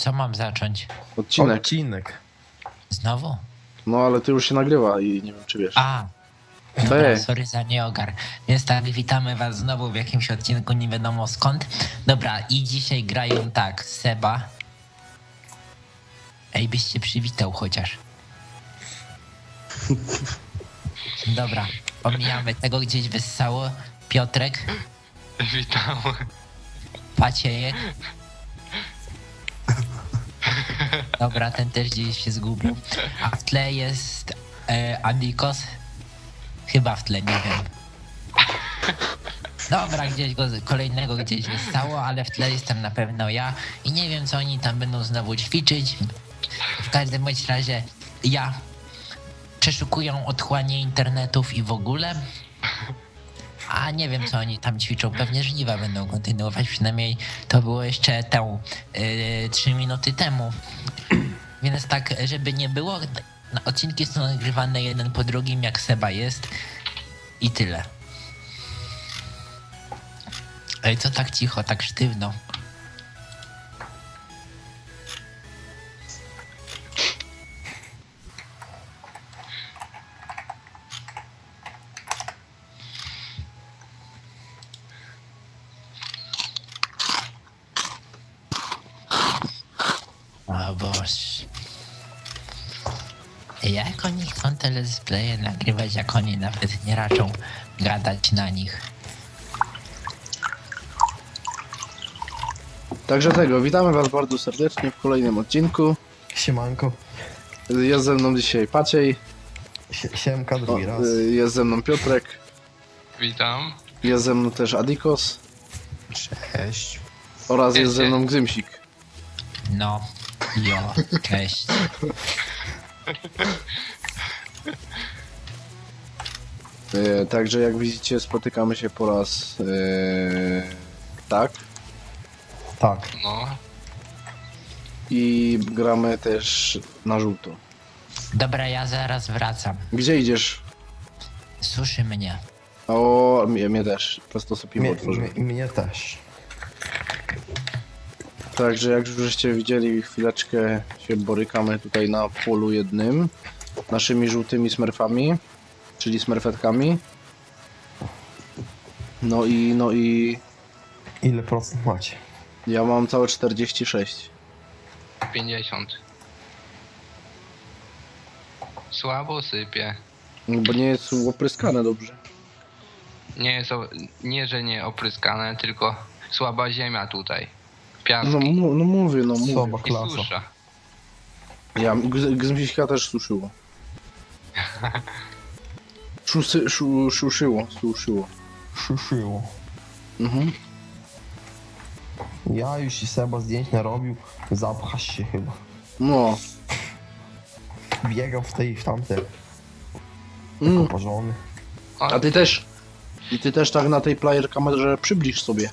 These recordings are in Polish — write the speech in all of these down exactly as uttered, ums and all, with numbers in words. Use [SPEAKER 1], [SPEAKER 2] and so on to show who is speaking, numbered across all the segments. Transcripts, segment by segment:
[SPEAKER 1] Co mam zacząć?
[SPEAKER 2] Odcinek.
[SPEAKER 3] Odcinek.
[SPEAKER 1] Znowu?
[SPEAKER 2] No ale ty już się nagrywa i nie wiem czy wiesz.
[SPEAKER 1] A!
[SPEAKER 2] Ej.
[SPEAKER 1] Dobra, sorry za nieogar. Więc tak, witamy was znowu w jakimś odcinku, nie wiadomo skąd. Dobra, i dzisiaj grają tak, Seba. Ej, byś się przywitał chociaż. Dobra, pomijamy tego, gdzieś wyssało. Piotrek,
[SPEAKER 4] Witam.
[SPEAKER 1] Paciejek. Dobra, ten też gdzieś się zgubił. A w tle jest e, Adikos. Chyba w tle, nie wiem. Dobra, gdzieś go kolejnego gdzieś wystało, ale w tle jestem na pewno ja i nie wiem, co oni tam będą znowu ćwiczyć. W każdym bądź razie ja przeszukują otchłanie internetów i w ogóle. A nie wiem, co oni tam ćwiczą. Pewnie żniwa będą kontynuować. Przynajmniej to było jeszcze tę yy, trzy minuty temu. Więc tak, żeby nie było, odcinki są nagrywane jeden po drugim, jak Seba jest. I tyle. Ej, co tak cicho, tak sztywno? O Boże. Jak oni chcą te let's playe nagrywać, jak oni nawet nie raczą gadać na nich?
[SPEAKER 2] Także tego, witamy was bardzo serdecznie w kolejnym odcinku.
[SPEAKER 3] Siemanko.
[SPEAKER 2] Jest ze mną dzisiaj Paciej,
[SPEAKER 3] Sie- Siemka
[SPEAKER 2] o,
[SPEAKER 3] drugi raz.
[SPEAKER 2] y, jest ze mną Piotrek,
[SPEAKER 4] Witam.
[SPEAKER 2] jest ze mną też Adikos
[SPEAKER 3] Cześć.
[SPEAKER 2] oraz jest
[SPEAKER 4] Cześć,
[SPEAKER 2] ze mną
[SPEAKER 4] cześć.
[SPEAKER 2] Gzymsik.
[SPEAKER 1] No, jo, cześć.
[SPEAKER 2] Y, Także jak widzicie spotykamy się po raz y, tak
[SPEAKER 3] Tak.
[SPEAKER 4] No.
[SPEAKER 2] i gramy też na żółto.
[SPEAKER 1] Dobra, ja zaraz wracam.
[SPEAKER 2] Gdzie idziesz?
[SPEAKER 1] Suszy mnie.
[SPEAKER 2] O, mnie, mnie też. Prosto sobie piwo
[SPEAKER 3] Mnie,
[SPEAKER 2] otworzyłem.
[SPEAKER 3] mnie, mnie też.
[SPEAKER 2] Także jak już żeście widzieli, chwileczkę się borykamy tutaj na polu jednym naszymi żółtymi smurfami, czyli smurfetkami. No i, no i
[SPEAKER 3] Ile procent macie?
[SPEAKER 2] ja mam całe czterdzieści sześć.
[SPEAKER 4] pięćdziesiąt. Słabo sypie.
[SPEAKER 2] Bo nie jest opryskane dobrze.
[SPEAKER 4] Nie jest, o, nie że nie opryskane, tylko słaba ziemia tutaj.
[SPEAKER 2] No,
[SPEAKER 4] Piaski
[SPEAKER 2] mu- no mówię, no mówię.
[SPEAKER 3] Słaba
[SPEAKER 4] i
[SPEAKER 3] klasa.
[SPEAKER 4] susza.
[SPEAKER 2] Ja, Gz- Gzmsiśka też suszyło. Szusy, szu, szuszyło, suszyło.
[SPEAKER 3] Szuszyło.
[SPEAKER 2] Mhm.
[SPEAKER 3] Ja już i Seba zdjęć narobił. Zapchasz się chyba.
[SPEAKER 2] No.
[SPEAKER 3] Biegał w tej i w tamte.
[SPEAKER 2] Mm.
[SPEAKER 3] Oparzony.
[SPEAKER 2] A ty też. I ty też tak na tej player kamerze przybliż sobie.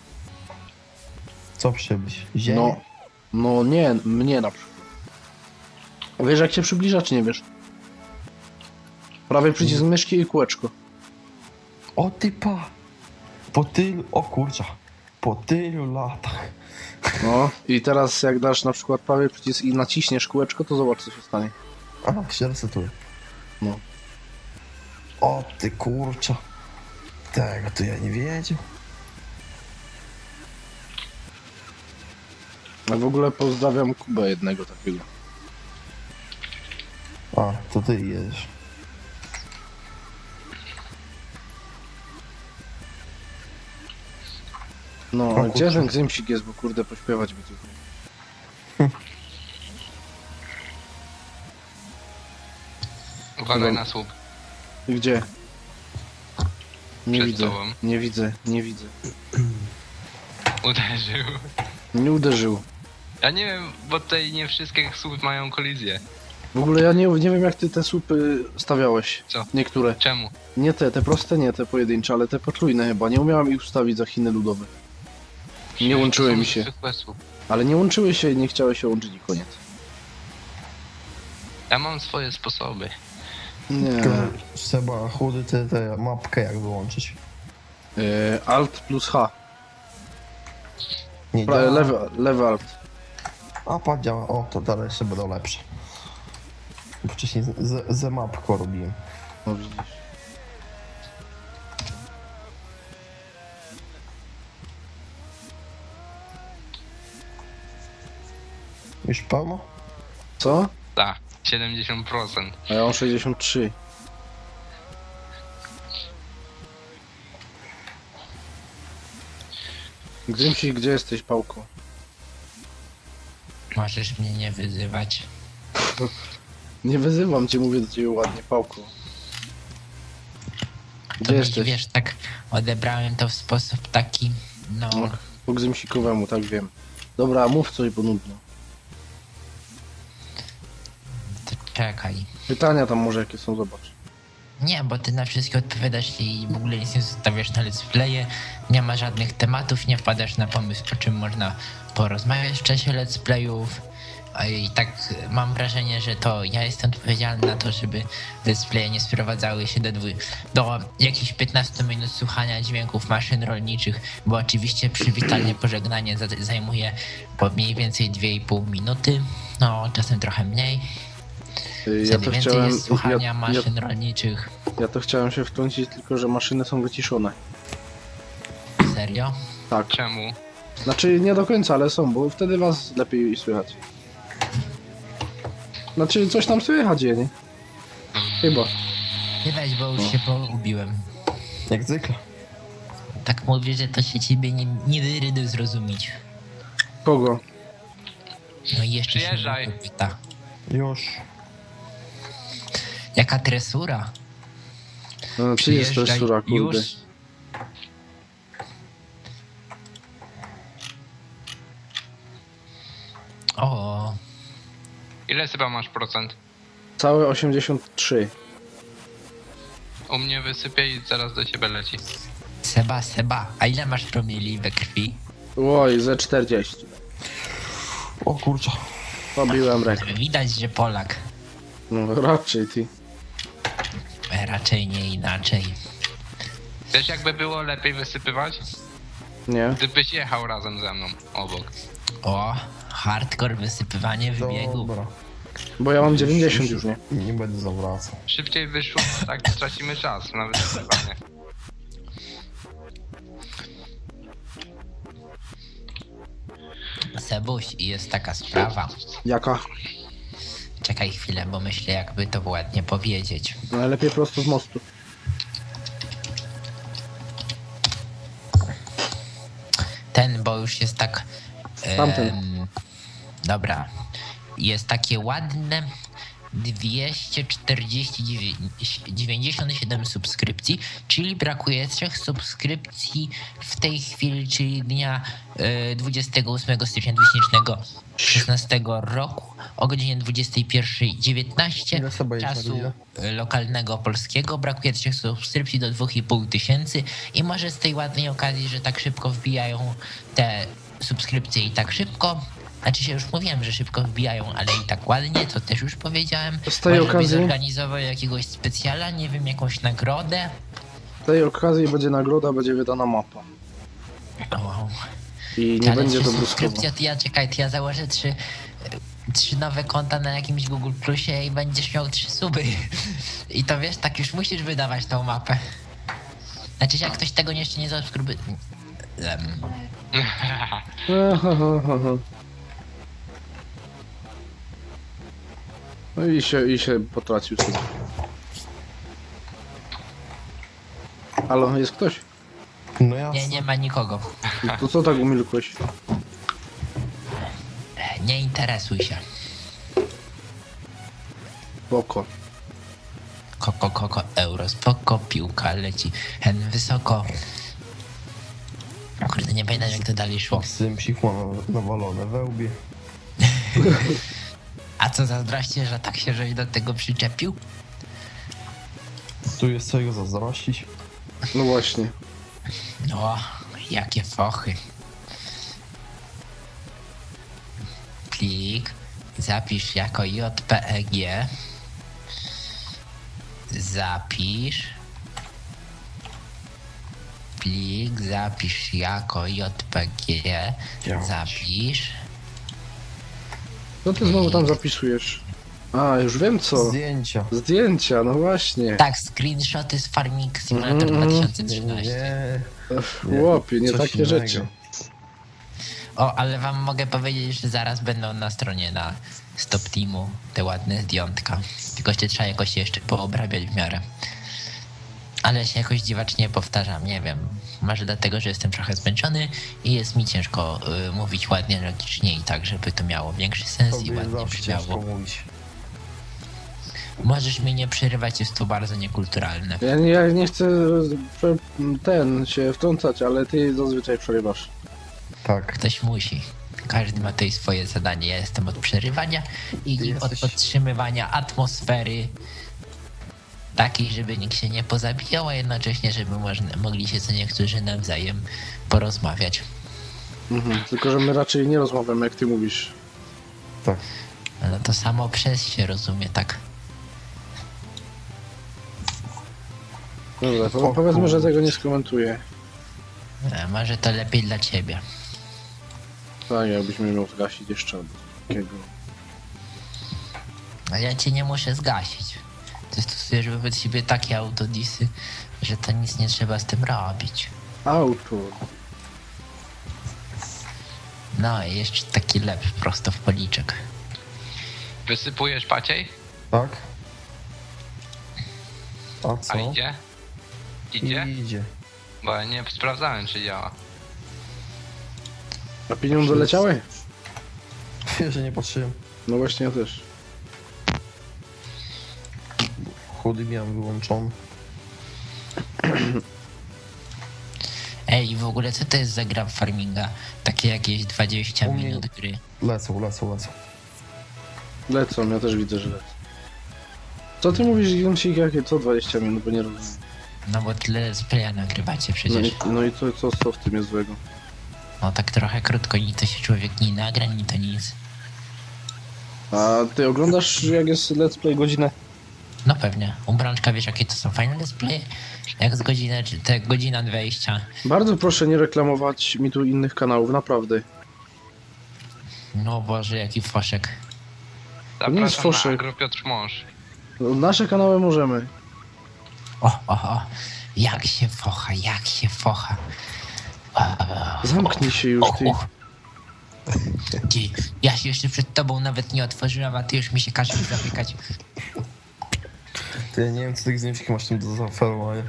[SPEAKER 3] Co przybyć? Ziemię?
[SPEAKER 2] No. No nie, mnie na przykład. Wiesz jak się przybliża, czy nie wiesz? Prawie przycisk myszki i kółeczko.
[SPEAKER 3] O ty pa! Po tylu... O kurcza. Po tylu latach.
[SPEAKER 2] No. I teraz jak dasz na przykład prawie przycisk i naciśniesz kółeczko, to zobacz co się stanie.
[SPEAKER 3] A, się resetuje.
[SPEAKER 2] No.
[SPEAKER 3] O ty kurcza. Tego to ja nie wiedział.
[SPEAKER 2] A w ogóle pozdrawiam Kubę jednego takiego.
[SPEAKER 3] A, to ty jedziesz.
[SPEAKER 2] No,
[SPEAKER 3] O
[SPEAKER 2] a gdzie
[SPEAKER 3] kurczę.
[SPEAKER 2] ten Gzymsik jest, bo kurde pośpiewać by tutaj.
[SPEAKER 4] Uważaj na słup.
[SPEAKER 2] Gdzie? Nie
[SPEAKER 4] Przed
[SPEAKER 2] widzę,
[SPEAKER 4] tobą.
[SPEAKER 2] nie widzę, nie widzę.
[SPEAKER 4] Uderzył.
[SPEAKER 2] Nie uderzył.
[SPEAKER 4] Ja nie wiem, bo tutaj nie wszystkie słupy mają kolizję.
[SPEAKER 2] W ogóle ja nie, nie wiem jak ty te słupy stawiałeś.
[SPEAKER 4] Co?
[SPEAKER 2] Niektóre.
[SPEAKER 4] Czemu?
[SPEAKER 2] Nie te, te proste nie, te pojedyncze, ale te potrójne chyba. Nie umiałem ich ustawić za Chiny ludowe. Nie łączyły
[SPEAKER 4] To są
[SPEAKER 2] mi się.
[SPEAKER 4] zwykłe słupy.
[SPEAKER 2] Ale nie łączyły się i nie chciały się łączyć i koniec.
[SPEAKER 4] Ja mam swoje sposoby.
[SPEAKER 2] Nie.
[SPEAKER 3] Tylko Seba chudy tę tę mapkę jak wyłączyć.
[SPEAKER 2] Yy, Alt plus H.
[SPEAKER 3] Nie
[SPEAKER 2] Pra,
[SPEAKER 3] działa.
[SPEAKER 2] lewy, lewy Alt.
[SPEAKER 3] A pad działa, o to dalej jeszcze będą lepsze. Bo wcześniej z, z, z mapką robiłem.
[SPEAKER 2] No widzisz.
[SPEAKER 3] Już pełno?
[SPEAKER 2] Co?
[SPEAKER 4] Tak, siedemdziesiąt procent.
[SPEAKER 2] A ja mam sześćdziesiąt trzy. Grzymsi, gdzie jesteś, Pałko?
[SPEAKER 1] Możesz mnie nie wyzywać.
[SPEAKER 2] Nie wyzywam cię, mówię do ciebie ładnie, Pałko.
[SPEAKER 1] To
[SPEAKER 2] Gdzie
[SPEAKER 1] mi,
[SPEAKER 2] jesteś?
[SPEAKER 1] wiesz, tak odebrałem to w sposób taki, no,
[SPEAKER 2] No, po Grzymsikowemu, tak wiem. Dobra, mów coś, bo nudno.
[SPEAKER 1] to czekaj.
[SPEAKER 2] Pytania tam może jakie są, zobacz.
[SPEAKER 1] Nie, bo ty na wszystkie odpowiadasz i w ogóle nic nie zostawiasz na let's playe, nie ma żadnych tematów, nie wpadasz na pomysł, o czym można porozmawiać w czasie let's playów. A I tak mam wrażenie, że to ja jestem odpowiedzialny na to, żeby let's playe nie sprowadzały się do, dwu, do jakichś piętnastu minut słuchania dźwięków maszyn rolniczych, bo oczywiście przywitanie, pożegnanie za- zajmuje po mniej więcej dwie i pół minuty, no czasem trochę mniej.
[SPEAKER 2] Y, Ja
[SPEAKER 1] Wtedy
[SPEAKER 2] to
[SPEAKER 1] więcej
[SPEAKER 2] chciałem.
[SPEAKER 1] jest słuchania
[SPEAKER 2] Ja, ja,
[SPEAKER 1] maszyn rolniczych.
[SPEAKER 2] ja to chciałem się wtrącić, tylko że maszyny są wyciszone.
[SPEAKER 1] Serio?
[SPEAKER 2] Tak.
[SPEAKER 4] Czemu?
[SPEAKER 2] Znaczy nie do końca, ale są, bo wtedy was lepiej słychać. Znaczy coś tam słychać je, nie? Chyba.
[SPEAKER 1] Nie weź, bo już
[SPEAKER 2] No.
[SPEAKER 1] się pogubiłem.
[SPEAKER 3] Jak zwykle.
[SPEAKER 1] Tak mówię, że to się ciebie nie, nie wyrydy zrozumieć.
[SPEAKER 2] Kogo?
[SPEAKER 1] No i jeszcze
[SPEAKER 4] Przyjeżdżaj.
[SPEAKER 1] się pyta.
[SPEAKER 3] Już.
[SPEAKER 1] Jaka tresura?
[SPEAKER 2] No, ty jest
[SPEAKER 1] Przyjeżdżaj
[SPEAKER 2] sura, kurde.
[SPEAKER 1] już. O,
[SPEAKER 4] Ile chyba masz procent?
[SPEAKER 2] Całe osiemdziesiąt trzy.
[SPEAKER 4] U mnie wysypie i zaraz do ciebie leci.
[SPEAKER 1] Seba, Seba, a ile masz promili we krwi?
[SPEAKER 2] Oj, ze czterdzieści.
[SPEAKER 3] O kurczę.
[SPEAKER 2] Pobiłem rekord.
[SPEAKER 1] Widać, że Polak.
[SPEAKER 2] No raczej ty.
[SPEAKER 1] E, Raczej nie inaczej.
[SPEAKER 4] Wiesz jakby było lepiej wysypywać?
[SPEAKER 2] Nie?
[SPEAKER 4] Gdybyś jechał razem ze mną obok.
[SPEAKER 1] O, hardcore wysypywanie wybiegu.
[SPEAKER 3] Dobra.
[SPEAKER 2] Bo ja mam dziewięćdziesiąt już, nie?
[SPEAKER 3] Nie będę zawracał.
[SPEAKER 4] Szybciej wyszło, tak tracimy czas na wysypywanie.
[SPEAKER 1] Sebuś, i jest taka sprawa.
[SPEAKER 2] Jaka?
[SPEAKER 1] Czekaj chwilę, bo myślę, jakby to ładnie powiedzieć.
[SPEAKER 2] Najlepiej prosto z mostu.
[SPEAKER 1] Ten, bo już jest tak...
[SPEAKER 2] Tamten.
[SPEAKER 1] em, dobra. Jest takie ładne dwieście czterdzieści dziewięćdziesiąt siedem subskrypcji, czyli brakuje trzech subskrypcji w tej chwili, czyli dnia e, dwudziestego ósmego stycznia dwa tysiące szesnastego roku o godzinie dwudziestej pierwszej dziewiętnaście
[SPEAKER 3] Ile sobie jest na
[SPEAKER 1] czasu
[SPEAKER 3] godzinę?
[SPEAKER 1] e, lokalnego polskiego. Brakuje trzech subskrypcji do dwóch i pół tysięcy i może z tej ładnej okazji, że tak szybko wbijają te subskrypcje i tak szybko. Znaczy się już mówiłem, że szybko wbijają, ale i tak ładnie, to też już powiedziałem.
[SPEAKER 2] Z tej
[SPEAKER 1] Może by
[SPEAKER 2] okazji-
[SPEAKER 1] zorganizował jakiegoś specjala, nie wiem, jakąś nagrodę.
[SPEAKER 2] W tej okazji będzie nagroda, będzie wydana mapa.
[SPEAKER 1] O,
[SPEAKER 2] I nie
[SPEAKER 1] ale
[SPEAKER 2] będzie
[SPEAKER 1] trzy
[SPEAKER 2] to bruskowo.
[SPEAKER 1] subskrypcja, to ja czekaj, to ja założę trzy, trzy nowe konta na jakimś Google Plusie i będziesz miał trzy suby. I to wiesz, tak już musisz wydawać tą mapę. Znaczy, jak ktoś tego jeszcze nie zasubskrybuje... Um,
[SPEAKER 2] Aha, aha, aha. No i się, i się potracił sobie. Halo, jest ktoś?
[SPEAKER 3] No jasne.
[SPEAKER 1] nie, nie ma nikogo.
[SPEAKER 2] To co tak umilkłeś?
[SPEAKER 1] Nie interesuj się.
[SPEAKER 2] Spoko.
[SPEAKER 1] Koko, koko, euro, spoko, piłka leci hen wysoko. Kurde, nie pamiętam jak to dalej szło.
[SPEAKER 3] Sympsik ma nawalone we łbie.
[SPEAKER 1] A co zazdroście, że tak się żeś do tego przyczepił?
[SPEAKER 3] Tu jest czego zazdrościć.
[SPEAKER 2] No właśnie.
[SPEAKER 1] O, jakie fochy. Plik, zapisz jako J P E G. Zapisz. Plik, zapisz jako J P G.
[SPEAKER 3] Działać.
[SPEAKER 1] Zapisz.
[SPEAKER 2] Co ty znowu tam zapisujesz? A, już wiem co.
[SPEAKER 3] Zdjęcia.
[SPEAKER 2] Zdjęcia, no właśnie.
[SPEAKER 1] Tak, screenshoty z Farming Simulator
[SPEAKER 2] Mhm.
[SPEAKER 3] Nie,
[SPEAKER 1] dwa tysiące trzynaście.
[SPEAKER 3] nie.
[SPEAKER 2] Chłopie, nie
[SPEAKER 3] Coś
[SPEAKER 2] takie
[SPEAKER 3] innego.
[SPEAKER 2] rzeczy.
[SPEAKER 1] O, ale wam mogę powiedzieć, że zaraz będą na stronie na Stop Teamu te ładne zdjątka. Tylko się trzeba jakoś jeszcze poobrabiać w miarę. Ale się jakoś dziwacznie powtarzam, nie wiem. Może dlatego, że jestem trochę zmęczony i jest mi ciężko y, mówić ładnie, logicznie i tak, żeby to miało większy sens i
[SPEAKER 3] Tobie
[SPEAKER 1] ładnie
[SPEAKER 3] zawsze ciężko
[SPEAKER 1] brzmiało.
[SPEAKER 3] mówić.
[SPEAKER 1] Możesz mnie nie przerywać, jest to bardzo niekulturalne.
[SPEAKER 2] Ja nie, ja nie chcę prze- ten się wtrącać, ale ty zazwyczaj przerywasz.
[SPEAKER 3] Tak.
[SPEAKER 1] Ktoś musi. Każdy ma tutaj swoje zadanie. Ja jestem od przerywania i
[SPEAKER 3] Ty
[SPEAKER 1] od
[SPEAKER 3] jesteś-
[SPEAKER 1] podtrzymywania atmosfery takiej, żeby nikt się nie pozabijał, a jednocześnie, żeby można, mogli się co niektórzy nawzajem porozmawiać.
[SPEAKER 2] Mhm. Tylko, że my raczej nie rozmawiamy, jak ty mówisz.
[SPEAKER 3] Tak.
[SPEAKER 1] No to samo przez się rozumie, tak?
[SPEAKER 2] Dobra, po-
[SPEAKER 3] O
[SPEAKER 2] powiedzmy, że
[SPEAKER 3] kurczę.
[SPEAKER 2] tego nie skomentuję.
[SPEAKER 1] E, Może to lepiej dla ciebie.
[SPEAKER 2] Tak, jakbyśmy miał zgasić jeszcze albo coś takiego.
[SPEAKER 1] A ja cię nie muszę zgasić. Ty stosujesz wobec siebie takie autodisy, że to nic nie trzeba z tym robić.
[SPEAKER 2] Auto.
[SPEAKER 1] No i jeszcze taki lep prosto w policzek.
[SPEAKER 4] Wysypujesz Paciej?
[SPEAKER 3] Tak? A co?
[SPEAKER 4] A idzie? Idzie?
[SPEAKER 3] Idzie.
[SPEAKER 4] Bo ja nie sprawdzałem, czy działa.
[SPEAKER 2] A pieniądze leciały?
[SPEAKER 3] Wiesz, że nie patrzyłem.
[SPEAKER 2] No właśnie, ja też.
[SPEAKER 3] Chudy miałem wyłączony.
[SPEAKER 1] Ej, w ogóle co to jest za gra w farminga? Takie jakieś dwadzieścia
[SPEAKER 3] U mnie-
[SPEAKER 1] minut gry.
[SPEAKER 3] Lecą, lecą, lecą.
[SPEAKER 2] Lecą, ja też widzę, że lecą. Co ty mówisz, Gimsik, jakie co dwadzieścia minut, bo nie rozumiem.
[SPEAKER 1] No bo tyle z playa nagrywacie
[SPEAKER 2] No
[SPEAKER 1] przecież.
[SPEAKER 2] i, no i co, co, co w tym jest złego?
[SPEAKER 1] No tak trochę krótko, ni to się człowiek nie nagra, ni to nic.
[SPEAKER 2] A ty oglądasz, jak jest let's play godzinę?
[SPEAKER 1] No pewnie. U Brączka wiesz jakie to są fajne displaye? Jak z godziny, czy te godzina dwadzieścia.
[SPEAKER 2] Bardzo proszę nie reklamować mi tu innych kanałów, naprawdę.
[SPEAKER 1] No Boże, jaki foszek.
[SPEAKER 2] nie jest
[SPEAKER 4] Zapraszam na
[SPEAKER 2] foszek.
[SPEAKER 4] Agro Piotr Mąż.
[SPEAKER 2] No, nasze kanały możemy.
[SPEAKER 1] O, o, o. Jak się focha, jak się focha.
[SPEAKER 2] Zamknij się już, ty.
[SPEAKER 1] Och, och. Ty, ja się jeszcze przed tobą nawet nie otworzyłem, a ty już mi się każesz zamykać.
[SPEAKER 3] Ty, ja nie wiem, co tych zdjęć masz tam do zaoferowania.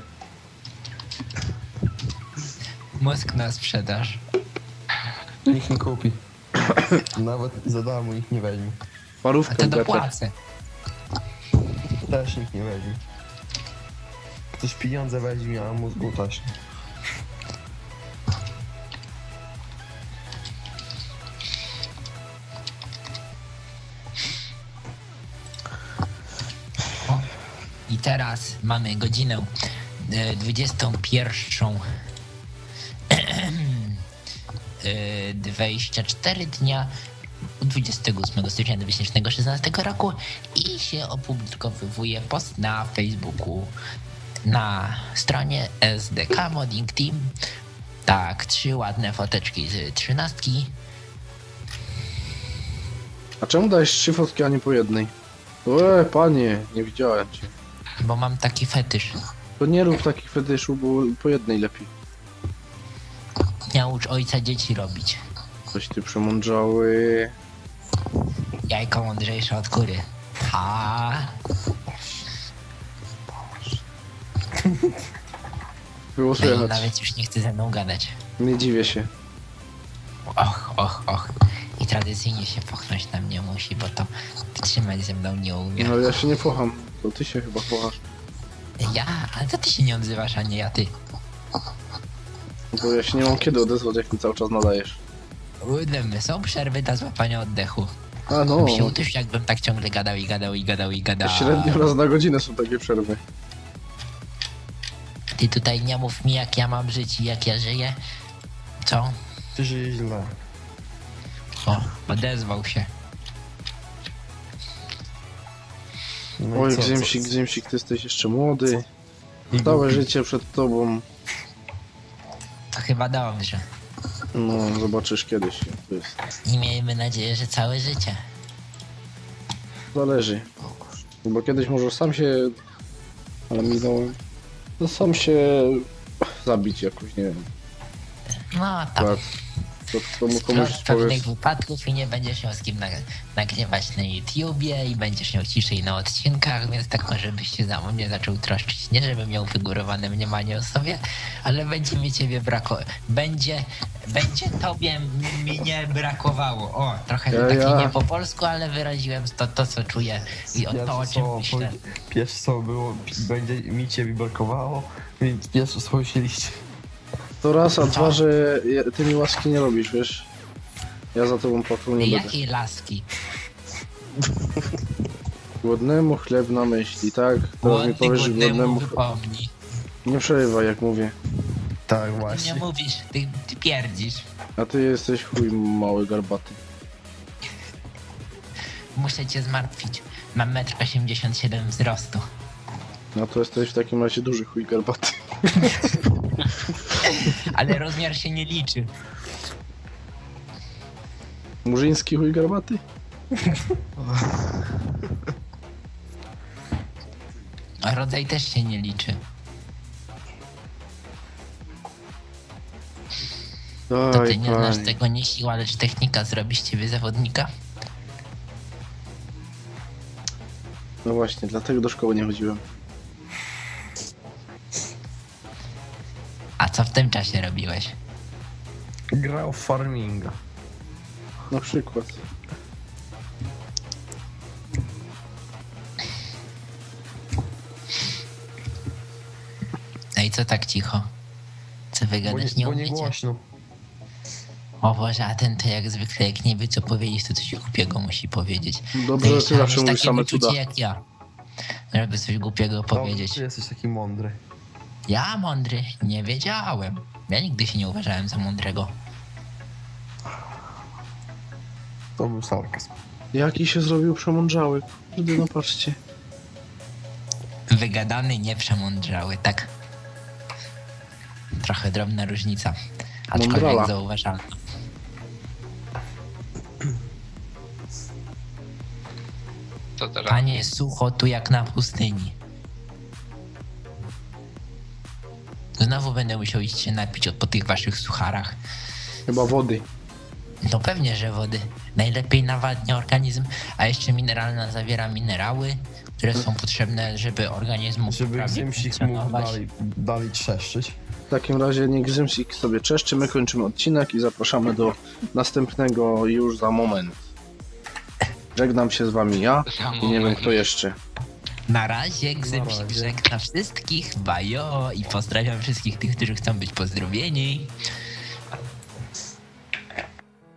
[SPEAKER 1] Mózg na sprzedaż.
[SPEAKER 3] Nikt nie kupi. Nawet za darmo nikt nie weźmie.
[SPEAKER 1] A
[SPEAKER 2] Parówkę
[SPEAKER 1] to
[SPEAKER 2] w betę.
[SPEAKER 1] dopłacę.
[SPEAKER 3] Też nikt nie weźmie. Ktoś pieniądze weźmie, a mózgu też nie.
[SPEAKER 1] O. I teraz mamy godzinę e, dwudziestą pierwszą e, dwadzieścia cztery dnia dwudziestego ósmego stycznia dwa tysiące szesnastego roku i się opublikowuje post na Facebooku na stronie S D K Modding Team. Tak, trzy ładne foteczki z trzynastki.
[SPEAKER 2] A czemu dałeś trzy fotki, a nie po jednej? Łe, panie, nie widziałem cię.
[SPEAKER 1] Bo mam taki fetysz.
[SPEAKER 2] To nie rób takich fetyszów, bo po jednej lepiej.
[SPEAKER 1] Naucz ojca dzieci robić.
[SPEAKER 2] Coś ty przemądrzały.
[SPEAKER 1] Jajko mądrzejsze od kury. Ha.
[SPEAKER 2] Było
[SPEAKER 1] No i
[SPEAKER 2] słychać.
[SPEAKER 1] nawet już nie chce ze mną gadać.
[SPEAKER 2] Nie dziwię się.
[SPEAKER 1] Och, och, och. I tradycyjnie się pochnąć na mnie musi, bo to wytrzymać ze mną nie umie.
[SPEAKER 2] No ale ja się nie pocham. To ty się chyba pochasz.
[SPEAKER 1] Ja? A to ty się nie odzywasz, a nie ja ty.
[SPEAKER 2] Bo ja się nie mam kiedy odezwać, jak mi cały czas nadajesz.
[SPEAKER 1] Udemy, są przerwy dla złapania oddechu.
[SPEAKER 2] A no,
[SPEAKER 1] Się utysz, jakbym tak ciągle gadał i gadał i gadał i gadał.
[SPEAKER 2] średnio raz na godzinę są takie przerwy.
[SPEAKER 1] Ty tutaj nie mów mi, jak ja mam żyć i jak ja żyję. Co?
[SPEAKER 3] Ty żyje źle.
[SPEAKER 1] O, odezwał się.
[SPEAKER 3] No i
[SPEAKER 2] Oj,
[SPEAKER 3] co,
[SPEAKER 2] Gzymsik,
[SPEAKER 3] co?
[SPEAKER 2] Gzymsik, ty jesteś jeszcze młody.
[SPEAKER 3] I
[SPEAKER 2] Całe
[SPEAKER 3] głupi.
[SPEAKER 2] życie przed tobą.
[SPEAKER 1] To chyba dobrze.
[SPEAKER 2] No, zobaczysz kiedyś. jak to jest.
[SPEAKER 1] I miejmy nadzieję, że całe życie.
[SPEAKER 2] Zależy. Bo kiedyś może sam się... Ale minąłem. No sam się... zabić jakoś, nie wiem.
[SPEAKER 1] No tam.
[SPEAKER 2] Akurat. To, to mu komuś
[SPEAKER 1] Splot pewnych
[SPEAKER 2] powiesz...
[SPEAKER 1] wypadków i nie będziesz miał z kim nag- nagrywać na YouTubie i będziesz miał ciszej na odcinkach, więc tak może byś się za mnie zaczął troszczyć. Nie żeby miał wygórowane mniemanie o sobie, ale będzie mi ciebie brakowało. Będzie, będzie tobie m- mnie brakowało. O, trochę
[SPEAKER 2] Ja-
[SPEAKER 1] taki
[SPEAKER 2] ja-
[SPEAKER 1] nie po polsku, ale wyraziłem to, to co czuję i o to, o czym myślę.
[SPEAKER 3] Pierwsze co było, będzie mi ciebie brakowało, więc pierwsze słowo się liście.
[SPEAKER 2] To raz, a dwa, że ja- ty mi łaski nie robisz, wiesz? Ja za tobą płakał nie będę.
[SPEAKER 1] Jakiej laski?
[SPEAKER 2] Głodnemu chleb na myśli, tak? Teraz mi
[SPEAKER 1] Głodny
[SPEAKER 2] powiesz, że
[SPEAKER 1] głodnemu
[SPEAKER 2] głodnemu...
[SPEAKER 1] wypomni.
[SPEAKER 2] Nie przerywaj, jak mówię.
[SPEAKER 3] Tak,
[SPEAKER 1] Ty nie
[SPEAKER 3] właśnie.
[SPEAKER 1] mówisz, ty, ty pierdzisz.
[SPEAKER 2] A ty jesteś chuj mały garbaty.
[SPEAKER 1] Muszę cię zmartwić. Mam metr osiemdziesiąt siedem wzrostu.
[SPEAKER 2] No to jesteś w takim razie duży chuj garbaty.
[SPEAKER 1] Ale rozmiar się nie liczy.
[SPEAKER 2] Murzyński chuj garbaty?
[SPEAKER 1] A rodzaj też się nie liczy. To ty
[SPEAKER 2] Daj,
[SPEAKER 1] nie znasz
[SPEAKER 2] panie.
[SPEAKER 1] tego, nie siła, lecz technika zrobi z ciebie zawodnika?
[SPEAKER 2] No właśnie, dlatego do szkoły nie chodziłem.
[SPEAKER 1] A co w tym czasie robiłeś?
[SPEAKER 3] Grał w farminga.
[SPEAKER 2] Na przykład.
[SPEAKER 1] No i co tak cicho? Co wy
[SPEAKER 3] Bo nie,
[SPEAKER 1] gadać nie
[SPEAKER 3] bo nie
[SPEAKER 1] umiecie?
[SPEAKER 3] głośno.
[SPEAKER 1] O Boże, a ten to jak zwykle, jak nie wie co powiedzieć, to coś głupiego musi powiedzieć.
[SPEAKER 2] Dobrze, że ty
[SPEAKER 1] Trzeba
[SPEAKER 2] zawsze
[SPEAKER 1] mieć
[SPEAKER 2] mówisz
[SPEAKER 1] takie
[SPEAKER 2] same
[SPEAKER 1] wyczucie
[SPEAKER 2] cuda.
[SPEAKER 1] jak ja. Żeby coś głupiego powiedzieć.
[SPEAKER 3] Ty jesteś taki mądry.
[SPEAKER 1] Ja mądry, nie wiedziałem. Ja nigdy się nie uważałem za mądrego.
[SPEAKER 3] To był sarkazm.
[SPEAKER 2] Jaki się zrobił przemądrzały. Kurde, no patrzcie.
[SPEAKER 1] Wygadany, nie przemądrzały, tak? Trochę drobna różnica. Aczkolwiek
[SPEAKER 2] Mądrala.
[SPEAKER 1] zauważalna.
[SPEAKER 4] Co teraz?
[SPEAKER 1] Panie, sucho tu jak na pustyni. Znowu będę musiał iść się napić od- po tych waszych sucharach.
[SPEAKER 2] Chyba wody.
[SPEAKER 1] No pewnie, że wody. Najlepiej nawadnia organizm, a jeszcze mineralna zawiera minerały, które są potrzebne, żeby organizm mógł
[SPEAKER 3] Żeby
[SPEAKER 1] prawnie
[SPEAKER 3] Gzymsik mógł
[SPEAKER 1] funkcjonować.
[SPEAKER 3] dalej, dalej trzeszczyć.
[SPEAKER 2] W takim razie niech Gzymsik sobie czeszczy, my kończymy odcinek i zapraszamy do następnego już za moment. Żegnam się z wami ja
[SPEAKER 4] Za
[SPEAKER 2] i nie wiem
[SPEAKER 4] moment.
[SPEAKER 2] kto jeszcze.
[SPEAKER 1] Na razie Gzymsik
[SPEAKER 3] razie.
[SPEAKER 1] żegna wszystkich, bajo i pozdrawiam wszystkich tych, którzy chcą być pozdrowieni.